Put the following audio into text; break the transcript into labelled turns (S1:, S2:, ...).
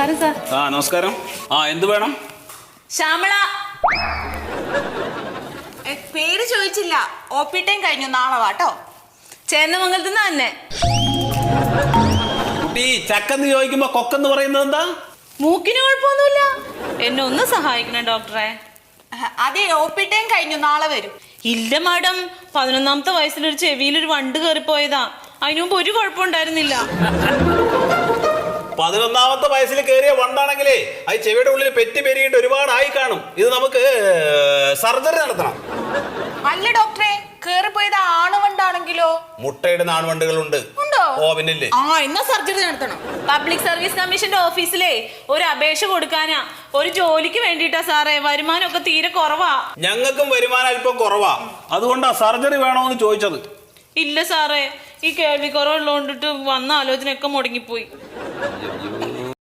S1: നമസ്കാരം സാർ.
S2: നമസ്കാരം. എന്ത് വേണം?
S1: ശ്യാമള.
S3: പേര് ചോദിച്ചില്ല. OP ടൈം കഴിഞ്ഞു, നാളെ വാട്ടോ.
S1: ചേന്നമംഗലത്ത് നിന്ന് തന്നെ.
S2: കുട്ടി ചക്കെന്ന് ചോദിക്കുമ്പോ കൊക്കെന്ന് പറയുന്നത് എന്താ?
S1: മൂക്കിന് കുഴപ്പമൊന്നുമില്ല. എന്നെ ഒന്ന് സഹായിക്കണം ഡോക്ടറെ.
S3: അതെ, OP ടൈം കഴിഞ്ഞു, നാളെ വരും.
S1: ഇല്ല മാഡം, 11ാമത്തെ വയസ്സിലൊരു ചെവിയിലൊരു വണ്ട് കയറിപ്പോയതാ. അതിനു മുമ്പ് ഒരു കുഴപ്പമുണ്ടായിരുന്നില്ല.
S2: 11ാമത്തെ വയസ്സിൽ കയറിയ വണ്ടാണെങ്കിലേ അത് ചെവിയുടെ ഉള്ളിൽ പെറ്റി പെരുകിട്ട് ഒരുപാടായി കാണും. ഇത് നമുക്ക് സർജറി നടത്തണം.
S3: അല്ല ഡോക്ടറെ, കേറിപ്പോയത് ആണുവണ്ടാണെങ്കിലോ?
S2: മുട്ടയിടുന്ന ആൺവണ്ടുകളുണ്ട്.
S3: ഉണ്ടോ?
S2: പിന്നില്ലേ.
S3: എന്നാ സർജറി നടത്തണം.
S1: പബ്ലിക് സർവീസ് കമ്മീഷന്റെ ഓഫീസിലേ ഒരു അപേക്ഷ കൊടുക്കാനാ. ഒരു ജോലിക്ക് വേണ്ടിട്ടാ സാറേ. വരുമാനമൊക്കെ തീരെ കുറവാ.
S2: ഞങ്ങൾക്കും വരുമാനം അല്പം കുറവാ. അതുകൊണ്ടാ സർജറി വേണോന്ന് ചോദിച്ചത്.
S1: ഇല്ല സാറേ, ഈ കേൾവി കുറവുള്ളതുകൊണ്ടിട്ട് വന്ന ആലോചനയൊക്കെ മുടങ്ങിപ്പോയി.